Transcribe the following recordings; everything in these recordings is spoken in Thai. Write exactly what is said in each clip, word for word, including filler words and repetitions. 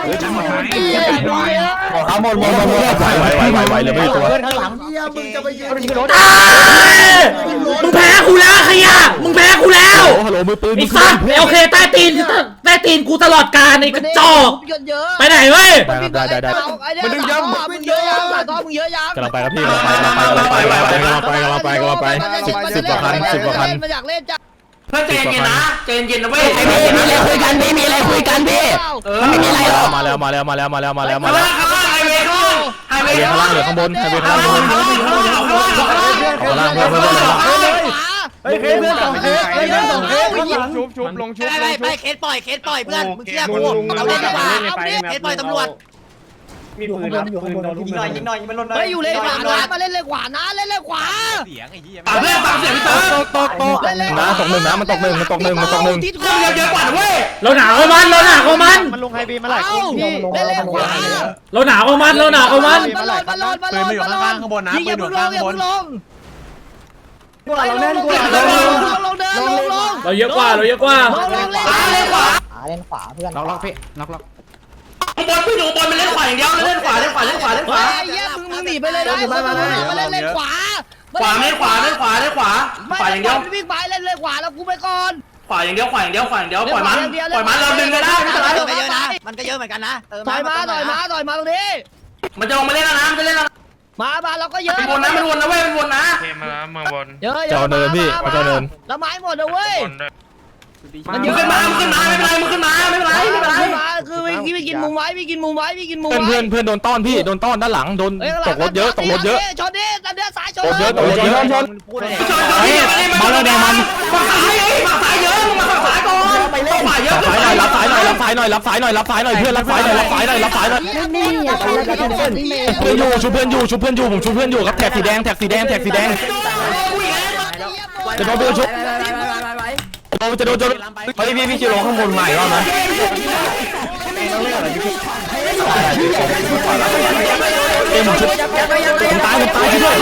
เขาหมดหมดหมดไหวไหวไหวไหวเลยไม่ตัวเพื่อนข้างหลังเฮียมึงจะไปยืนมึงแพ้กูแล้วขยะมึงแพ้กูแล้วฮัลโหลมือปืนไอ้สัตว์โอเคใต้ตีนใต้ตีนกูตลอดกาลไอ้กระจอกไปไหนเว้ยได้ได้ได้มันดึงยังมึงเยอะยังต่อมึงเยอะยังกำลังไปครับพี่กำลังไปกำลังไปกำลังไปกำลังไปกำลังไปกำลังไปกำลังไปสิบสิบกว่าพันสิบกว่าพันมาอยากเล่นจ้ะเพื่อนใจเย็นนะใจเย็นนะเว้ยมีอะไรคุยกันพี่มีอะไรคุยกันพี่มันไม่มีอะไรหรอกมาแล้วมาแล้วมาแล้วมาแล้วมาแล้วมาข้างแล้วล่างข้างล่างไฮเวย์ข้างล่างไฮเวไฮย์เวย์ข้างข้างล่าล่าง งเหลือข้างบนไฮเวย์ข้างล่างข้างล่างข้างล่างเพื่อนเพื่อนเพื่อนเฮ้ยเคสเพื่อนสองเคสเคสเพื่อนสองเคสชุบชุบลงชุบไปไปเคสปล่อยเคสปล่อยเพื่อนมึงเชื่อกูเราเล่นดีกว่าเคสปล่อยตำรวจมีปืนครับปืนโดนยิงหน่อยยิงหน่อยยิงมันลนหน่อยเฮ้ยอยู่เล่นขวานะมาเล่นเล่นขวานะเล่นเล่นขวาปากเพื่อนปากเสียพี่เต๋อตกตกน้ำตกหนึ่งน้ำมันตกหนึ่งมันตกหนึ่งมันตกหนึ่งทิศเพื่อนเยอะเยอะกว่าเว้ยเราหนาวมันเราหนาวมันมันลงไฮบีมาหลายคเอ้านพี่เล่นเล่นขวาเราหนาวมันเราหนาวมันมาลนมาลนมาลนมาลนข้างบนนะยิงอย่าเพิ่งลงอย่าเพิ่งลงกูเราเล่นกูลเรางเล่นลงลงเดินลงลงเราเยอะกว่าเราเยอะกว่าลงลงเล่นเล่นขวาเล่นขวาเพื่อนล็อกล็อกพี่ล็อกล็อกบอลพี่หนูบอลมันเล่นขวาอย่างเดียวเล่นขวาเล่นขวาเล่นขวาเล่นขวาไอ้เหี้ยมึงมึงหนีไปเลยนะมาเล่นเล่นขวาขวาเล่นขวาเล่นขวาเล่นขวาขวาอย่างเดียววิ่งไปเล่นเล่นขวาแล้วกูไปก่อนขวาอย่างเดียวขวาอย่างเดียวขวาอย่างเดียวปล่อยมันปล่อยมันเราดึงกันได้ไม่เป็นไรมันก็เยอะนะมันก็เยอะเหมือนกันนะถอยมาถอยมาถอยมาตรงนี้มันจะลงมาเล่นแล้วนะมันจะเล่นแล้วมามาเราก็เยอะมันวนนะมันวนนะเว้ยมันวนนะเทมาแล้วเมืองบนเยอะเยเจ้าอะเนินพี่เจ้าเนินแล้วไม้หมดนะเว้ยบนด้วยมึงขึ้นมามึงขึ้นมาไม่เป็นไรมึงขึ้นมาไม่เป็นไรไม่เป็นไรมาคือพี่พี่กินมุมไว้พี่กินมุมไว้พี่กินมุมเพื่อนไว้เพื่อนเพื่อนโดนต้อนพี่โดนต้อนด้านหลังโดนตกรถเยอะตกรถเยอะชนดิตันเดือดสายชนตกเยอะตกรถเยอะชนชนชนมาแล้วแดงมันฝั่งซ้ายฝั่งซ้ายเยอะมึงมาฝั่งซ้ายก่อนฝั่งขวาเยอะสายหน่อยรับสายหน่อยรับสายหน่อยรับสายหน่อยรับสายหน่อยเพื่อนรับสายหน่อยรับสายหน่อยรับสายหน่อยนี่อย่าไปแล้วกันเพื่อนเพื่อนอยู่ชุบเพื่อนอยู่ชุบเพื่อนอยู่ผมชุบเพื่อนอยู่ครับแท็กสีแดงแท็กสีแดงแท็กสีแดงจะโดนเบลชุบโดนจะโดนจะเฮ้ยพี่พี่ชิโร่ข้างบนใหม่รอบนะเอ็มชุบผมตายผมตายช่วย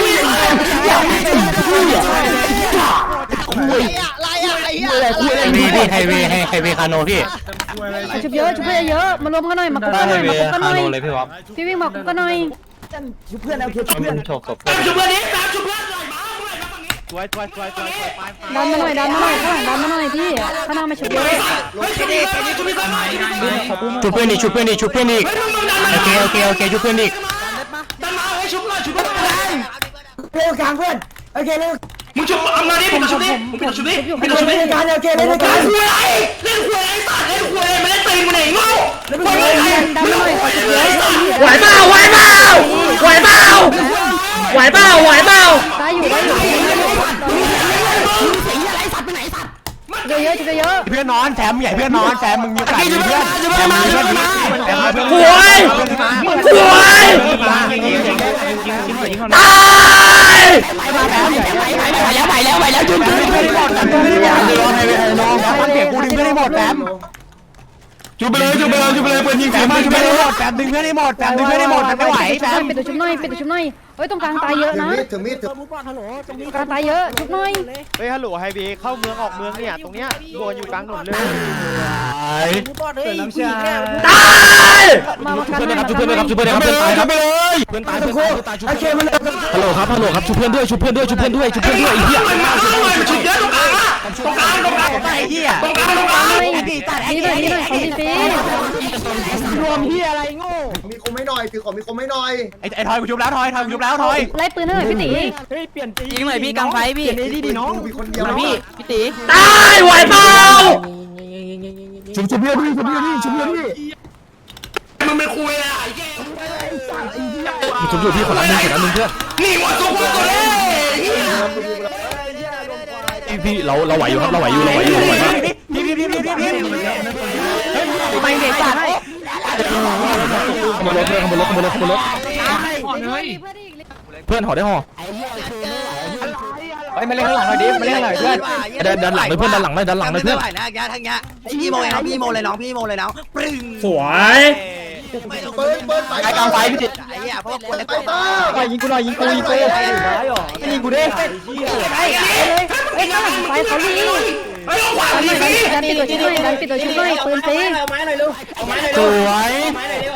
คุยอะไรอะไอ้เหี้ยคุยเล่นพี่พี่ไฮเวย์ไฮเวย์คาโนพี่ชุบเยอะชุบเยอะมารวมกันหน่อยมาคุกกันหน่อยมาคุกกันหน่อยพี่วิ่งมาคุกกันหน่อยเพื่อนเอาเพื่อนโชคศพชุบเพื่อนนี้ตามชุบเพื่อนหน่อยมาสวยสวยสวยสวยไปดันมาหน่อยดันมาหน่อยข้างหลังดันมาหน่อยพี่ข้างหน้ามาชุบเยอะเฮ้ยชุบนี้ชุบนี้ชุบนี้ก่อนชุบเพื่อนอีกชุบเพื่อนอีกชุบเพื่อนอีกโอเคโอเคโอเคชุบเพื่อนอีกดันมาเฮ้ยชุบหน่อยชุบเพื่อนเร็วกลางเพื่อนโอเคเร็วมึงชุบเอามาดิผมชุบดิผมชุบดิผมชุบดิเล่นกันโอเคเล่นกันเล่นคุยอะไรเล่นคุยอะไรสัตว์เล่นคุยอะไรไม่เล่นตีนมึงไหนโง่คุยอะไรดันมาหน่อยขอชุบเยอะไหวเปล่าไหวเปล่าไหวเปล่าไหวเปล่าไหวเปล่าได้อยู่ได้อยู่เยอะเยอะชุบเยอะเพื่อนนอนแถมใหญ่เพื่อนนอนแถมมึงมีโอกาสมีเพื่อนแถมมีเพื่อนดีแถมเพื่อนหวยหวยตายไหวแล้วไหวแล้วไหวแล้วจุดจุดเพื่อนให้หมดเพื่อนให้หมดเลยให้ให้น้องฟังเสียงกูดึงเพื่อนให้หมดแถมชุบไปเลยชุบไปเลยชุบไปเลยเพื่อนยิงแถมมาชุบเพื่อนให้หมดแถมดึงเพื่อนให้หมดแถมดึงเพื่อนให้หมดไม่ไหวแถมเป็นตัวชุบหน่อยเป็นตัวชุบหน่อยเฮ้ยตรงกลางตายเยอะนะถึงมีดถึงกลางตายเยอะชุบหน่อยเฮ้ยฮัลโหลไฮบีเข้าเมืองออกเมืองเนี่ยตรงเนี้ยโดนอยู่กลางถนนเลยตายมามาชุบกันเพื่อนหน่นะอยครับชุบเพื่อนนะครับชุบเพื่อนนะครับเพื่อนตายครับเพื่อนตายเพื่อนตายเพื่อนตายชุบเพื่อนฮัลโหลครับฮัลโหลครับชุบเพื่อนด้วยชุบเพื่อนด้วยชุบเพื่อนด้วยชุบเพื่อนด้วยไอ้เหี้ยชุบเยอะตรงกลางตรงกลางตรงกลางไอ้เหี้ยตรงกลางตรงกลางนี่หน่อยนี่หน่อยของพี่ฟีรวมเหี้ยอะไรโง่มีคมไม่หน่อยถือของมีคมไม่หน่อยไอ้ไอ้ทอยกูชุบแล้วทอยทอยกูชุบแล้วทอยไล่ปืนให้หน่อยพี่ตียิงหน่อยพี่กลางไฟพี่เปลี่ยนดีดีน้องมีคนเดียวพี่พี่ตีตายไหวเปล่าชุบชุบเพื่อนพี่ชุบเพื่อนพี่ชุบเพื่อนพี่มึงไม่คุยอ่ะไอ้แกชุบอยู่พี่ขอรับนึงขอรับนึงเพื่อนนี่หมดตัวตัวเลยพี่เราเราไหวอยู่ครับเราไหวอยู่เราไหวอยู่เราไหวมากพี่พี่พี่พี่พี่พี่ไม่เด็กจัดขโมยรถเพื่อนขโมยรถขโมยรถขโมยรถเพื่อนห่อได้ห่อเฮ้ยมาเล่นข้างหลังหน่อยดิมาเล่นข้างหลังเพื่อนดันดันหลังเลยเพื่อนดันหลังเลยดันหลังเลยเพื่อนไหวนะแกทั้งเงี้ยพี่โมเลยน้องพี่โมเลยน้องพี่โมเลยน้องปรึ้งสวยเปิดเปิดไปไอ้กลางไฟพี่ติดไอ้เหี้ยเพราะว่าคนในไปตัวบ้ายิงกูหน่อยยิงกูยิงกูยิงกูดิไอ้ไอ้ข้างหลังไฟเขาดีเฮ้ยขวาดันดีดันปิดตัวชุบหน่อยดันปิดตัวชุบหน่อยปืนฟีสวยส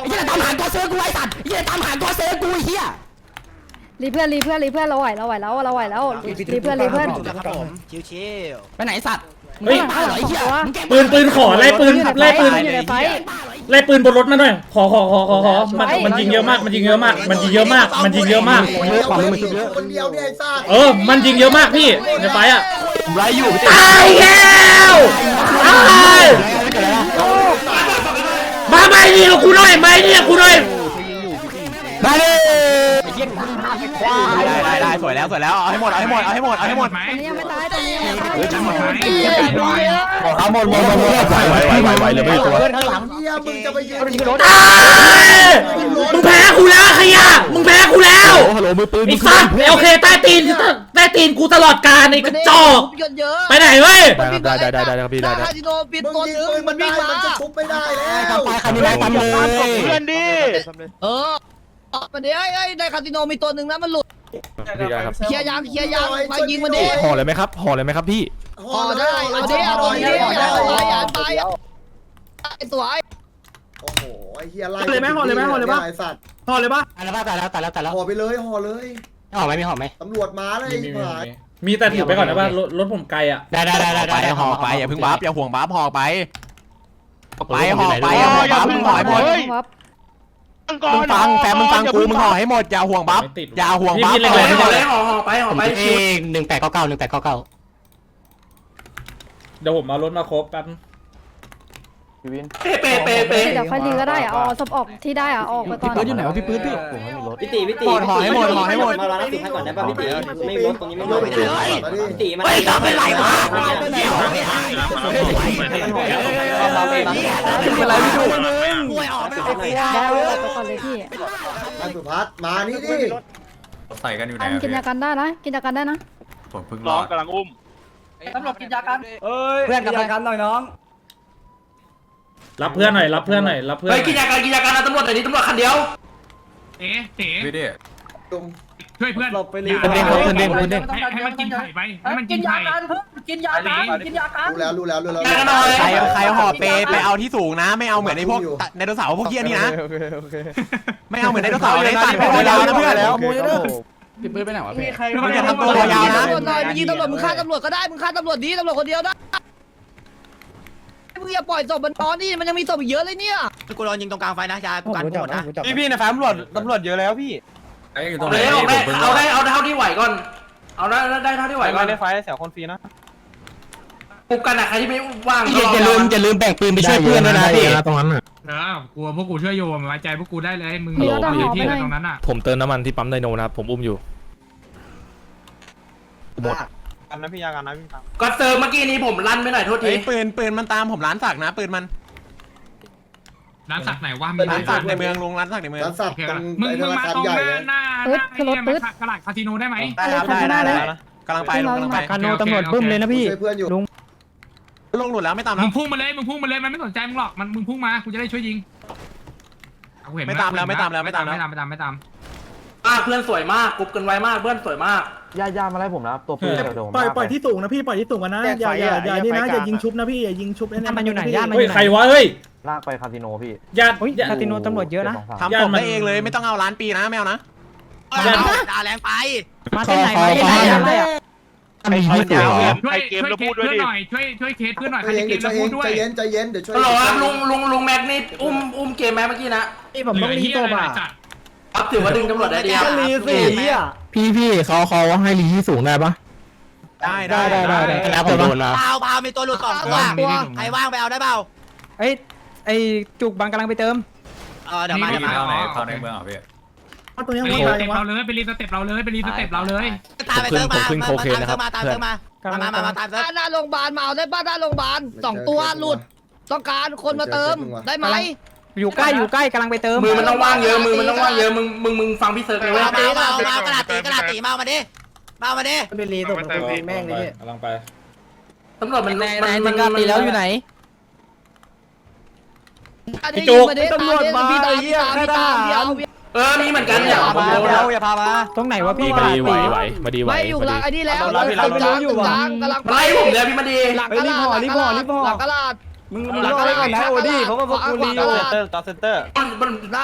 เซอร์กูไอ้สัตว์เหี้ยตามหาตัวเซอร์กูไอ้เหี้ยรีเพื่อนรีเพื่อนรีเพื่อนเราไหวเราไหวแล้วเราไหวแล้วรีเพื่อนรีเพื่อนครับผมชิวไปไหนสัตว์เฮ้ยตายเหรอไอ้เหี้ยปืนปืนขอไล่ปืนไล่ปืนอยู่ในไฟไล่ปืนบนรถมาหน่อยขอขอขอขอขอมันมันยิงเยอะมากมันยิงเยอะมากมันยิงเยอะมากมันยิงเยอะมากเยอะกว่ามึงเยอะคนเดียวเนี่ยไอ้ซ่าเออมันยิงเยอะมากพี่ในไฟอ่ะผมไล่อยู่ตายแล้วตายมาไม่ยิงกูหน่อยไม่ยิงกูหน่อยมาดิได้ได้ได้สวยแล้วสวยแล้วเอาให้หมดเอาให้หมดเอาให้หมดเอาให้หมดตอนนี้ยังไม่ตายตอนนี้ยังไม่ตายเอาหมดหมดหมดหมดไหวไหวไหวไหวเลยไม่ตัวเพื่อนข้างหลังเฮียมึงจะไปยืนตายมึงแพ้กูแล้วขยะมึงแพ้กูแล้วฮัลโหลมือปืนไอ้สัตว์โอเคใต้ตีนใต้ตีนกูตลอดกาลไอ้กระจอกเยอะไปไหนเว้ยได้ได้ได้ได้ครับพี่ได้ได้คาสิโนปิดมึงตัวยิงนึงปืนมัมัน นวิ่ได้งมามันจะชุบไม่ได้แล้วไปใครมีแรงปั๊มเลยเพื่อนดิเออมันเดี๋ยวไอ้ในคาสิโนมีตัวหนึ่งนะมันหลุดพี่ได้ครับเคลียร์ยางเคลียร์ยางมายิงมันดิห่อเลยไหมครับห่อเลยไหมครับพี่อ๋อได้เอาดิเอาดิเอาดิเอาดิเอาดิไอ้ตัวไอ้โอ้โหไอ้เฮียไล่เลยไหมห่อเลยไหมห่อเลยปะไอ้สัตว์ห่อเลยปะตายแล้วตายแล้วตายแล้วตายแล้วห่อไปเลยห่อเลยห่อไหมมีห่อไหมตำรวจมาเลยไอ้ผายมีแต่ถือไปก่อนนะว่ารถรถผมไกลอ่ะได้ได้ได้ได้ไปได้ห่อไปอย่าเพิ่งบัฟอย่าห่วงบัฟห่อไปไปห่อไปอย่าห่วงบัฟมึงห่อให้หมดครับมึงฟังแฟนมึงฟังกูมึงห่อให้หมดอย่าห่วงบัฟอย่าห่วงบัฟพี่เล่นอะไรห่อห่อไปห่อไปเองหนึ่งแปดเก้าเก้าหนึ่งแปดเก้าเก้าเดี๋ยวผมเอารถมาครบแป๊บเดี๋ยวค่อยรีก็ได้อะเอาศพออกที่ได้อะออกไปก่อนปืนอยู่ไหนวะพี่ปืนพี่พี่ตีพี่ตีห่อให้หมดห่อให้หมดมารอรับสิให้ก่อนได้ป่ะพี่ตีไม่รถตรงนี้ไม่รโยถนไปเลยมาดิพี่ตีมันเฮ้ยทำเป็นไรวะเป็นไรไม่ดูป่วยออกไม่ออกไม่ได้ได้เอาไปก่อนเลยพี่ท่านสุพัฒน์มานี่ดิใส่กันอยู่ไหนอันกินยากันได้นะกินยากันได้นะผมเพิ่งร้องกำลังอุ้มตำรวจกินยากันเพื่อนกับกันหน่อยน้องรับเพื่อนหน่อยรับเพื่อนหน่อยรับเพื่อนเฮ้ยกินยาการกินยาการนะตำรวจแต่นี้ตำรวจคันเดียวเอ๋เอ๋พี่ดิลุงช่วยเพื่อนหลบไปเลยคนเด้งคนเด้งคนเด้งให้ให้มันกินไข่ไปให้มันกินไข่กินยากันกินยากันรู้แล้วรู้แล้วรู้แล้วใครใครห่อเปไปเอาที่สูงนะ ไม่เอาเหมือนไอ้พวกไดโนเสาร์พวกเกี้ยนี่นะไม่เอาเหมือนไดโนเสาร์เลยตัดไปยาวนะเพื่อนแล้วพี่ปืนไปไหนวะพี่มึงอย่าทำตัวยาวนะตำรวจหน่อยไปยิงตำรวจมึงฆ่าตำรวจก็ได้มึงฆ่าตำรวจดีตำรวจคนเดียวได้มึงอย่าปล่อยศพมันนอนนี่มันยังมีศพอีกเยอะเลยเนี่ยกูรอยิงตรงกลางไฟนะยากูกันหมดนะพี่พี่นะแฟมตำรวจตำรวจเยอะแล้วพี่ไอ้อยู่ตรเอางไหนเลยเอาผมเพิ่งเอาได้เอาเท่าที่ไหวก่อนเอาได้ได้เท่าที่ไหวก่อนได้ไฟเสียคนฟรีนะปุกกันอะใครที่ไม่ว่างอย่าลืมอย่าลืมแบ่งปืนไปช่วยเพื่อนด้วยนะพี่ตรงนั้นเออกลัวพวกกูช่วยโยมไว้ใจพวกกูได้เลยมึงมีรถเอาอหอยู่ ไปที่หน่อยตรงนั้นอ่ะผมเติมน้ำมันที่ปั๊มไดโนนะครับผมอุ้มอยู่หมดกันนะพี่ยากันนะพี่ก็เซิร์ฟเมื่อกี้นี้ผมลั่นไปหน่อยโทษทีไอ้ปืนปืนมันตามผมร้านสักนะปืนมันร้านสักไหนว่ามีร้านสักในเมืองลุงร้านสักในเมืองร้านสัตว์ตรงมึงไอ้ธมึงนามาคารตรงใหญ่หน้าเลยหน้าตลาดคาสิโนได้ไหมได้ครับได้ได้ได้กำลังไปลุงกำลังไปคาโนตำรวจบึ้มเลยนะพี่ช่วยเพื่อนอยู่ลงหลุดแล้วไม่ตามมึแล้วงพุ่งมาเลยมึงพุ่งมาเลยมันไม่สนใจมึงหรอกมันมึงพุ่งมากูจะได้ช่วยยิงไม่ตามแล้วไม่ตามแล้วไม่ตามแล้วไม่ตามไม่ตามไม่ตามอ่าเพื่อนสวยมากกรุ๊ปกันไวมากเพื่อนสวยมากย่าย่ามาไล่ผมนะตัวปืนโดนปล่อยปล่อยที่สูงนะพี่ปล่อยที่สูงกันนะอย่าอย่าอย่านี่นะอย่ายิงชุบนะพี่อย่ายิงชุบแน่ๆมันอยู่ไหนย่ามันเฮ้ยใครวะเฮ้ยลากไปคาสิโนพี่ญาติคาสิโนตำรวจเยอะนะทำผมได้เองเลยไม่ต้องเอาล้านปีนะแมวนะด่าแรงไปมาที่ไหนมาที่ไหนอะไรอ่ะไม่ใช่ตัวช่วยช่วยเคสเพื่อนหน่อยช่วยช่วยเคสเพื่อนหน่อยใครใจจะเย็นเกมใจแล้วเย็พูนดด้วยใจเย็นใจเย็นเดี๋ยวช่วยฮัลโหลครับลุงลุงลุงแม็กนี่อุ้มอุ้มเกมแม็กเมื่อกี้นะนี่ผมต้องรีโตบ่ะครับถือว่าดึงตำรวจได้ดีครับพี่พี่เขาเขาให้รีที่สูงได้ปะได้ได้ได้ได้แล้วผมโดนนะเปล่าเปล่ามีตัวหลุดสองตัวใครว่างไปเอาได้เปล่าเอ้ยไอ้จุกบางกำลังไปเติมเออเดี๋ยวมาเดี๋ยวมาเข้าในเข้าในเมืองเหรอพี่ตรงนี้ไปหัรีวสตายเต็ปวะเราเลยไปรีสเต็ปเราเลยไปรีสเต็ปเราเลยตามไปเติมมามาตามเติมมาตามเติมมามามามาตามเติมหน้าโรงพยาบาลมาเอาได้ป้าหน้าโรงพยาบาลสองตัวหลุดต้องการคนมาเติมได้ไหมอยู่ใกล้อยู่ใกล้กำลังไปเติมมือมันต้องว่างเยอะมือมันต้องว่างเยอะมึงมึงมึงฟังพี่เซิร์ฟเลยเว้ยมาตีมาเอามากระดาษตีกระดาษตีมาเอามาดิมาเอามาดิเป็นรีตกแม่งเลยกำลังไปตำรวจมันมันมันตีแล้วอยู่ไหนพี่จุกตำรวจมาพี่ตามพี่ตามพี่ตามพี่เอาเออมีเหมือนกันเนี่ยเราอย่าพามาตรงไหนวะพี่มาดีไหวไหวมาดีไหวไม่อยู่หลังไอ้นี่แล้วเราเราเรากลางกลางกำลังไล่ผมเลยพี่มาดีหลังกระดาษหลังกระดาษหลังกระดาษมึงมึงรอได้ก่อนนะโอดี้เพราะว่าพวกกูรีหลังกระดาษเตอร์ต่อเซนเตอร์มันมัน